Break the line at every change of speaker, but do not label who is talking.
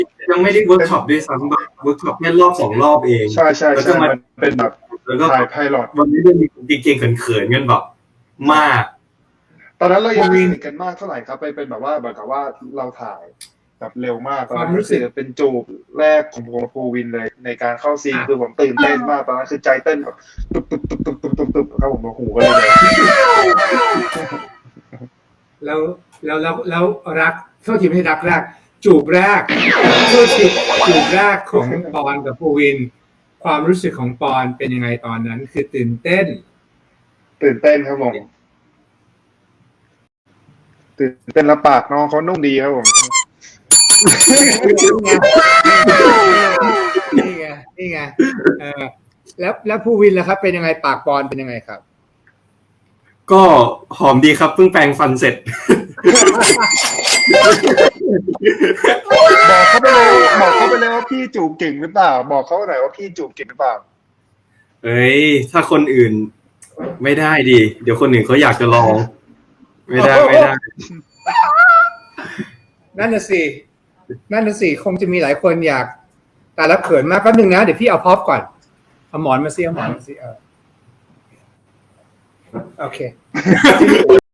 ยังไม่ได้เวิร์กช็อปด้วยซ้ำแบบเวิร์กช็อปแค่รอบ2 รอบเอง
ใช่ใช่
แล้วก็
ใช่
มา
มันเป็นแบบ
แล้วก็
ถ่ายไพลอต
วันนี้เรื่องเก่งๆเขินๆกันแบบมาก
ตอนนั้นเรายังไม่สนิทกันมากเท่าไหร่ครับเป็นแบบว่าแบบว่าเราถ่ายแบบเร็วมากตอนนั้นก็คือเป็นจูบแรกของผมกับภูวินเลยในการเข้าซีนคือผมตื่นเต้นมากตอนนั้นคือใจเต้นแบบตุบตุบตุบตุบตุบตุบตุบครับผมหูก็เลย
แล้วรักโทษทีไม่ใช่รักแรกจูบแรกโทษทีจูบแรกของปอนกับภูวินความรู้สึกของปอนเป็นยังไงตอนนั้นคือตื่นเต้น
ครับผมตื่นเต้นแล้วปากน้องเขานุ่มดีครับผม
นี่ไงแล้วภูวินล่ะครับเป็นยังไงปากปอนเป็นยังไงครับ
ก็หอมดีครับเพิ่งแปรงฟันเสร็จ
บอกเขาไปเลยว่าพี่จูบเก่งหรือเปล่าบอกเขาหน่อยว่าพี่จูบเก่งหรือเปล่า
เอ้ยถ้าคนอื่นไม่ได้ดิเดี๋ยวคนอื่นเขาอยากจะลองไม่ได้
นั่นน่ะสิคงจะมีหลายคนอยากแต่ละเขินมากแป๊บนึงนะเดี๋ยวพี่เอาพร็อพก่อนเอาหมอนมาสิโอเค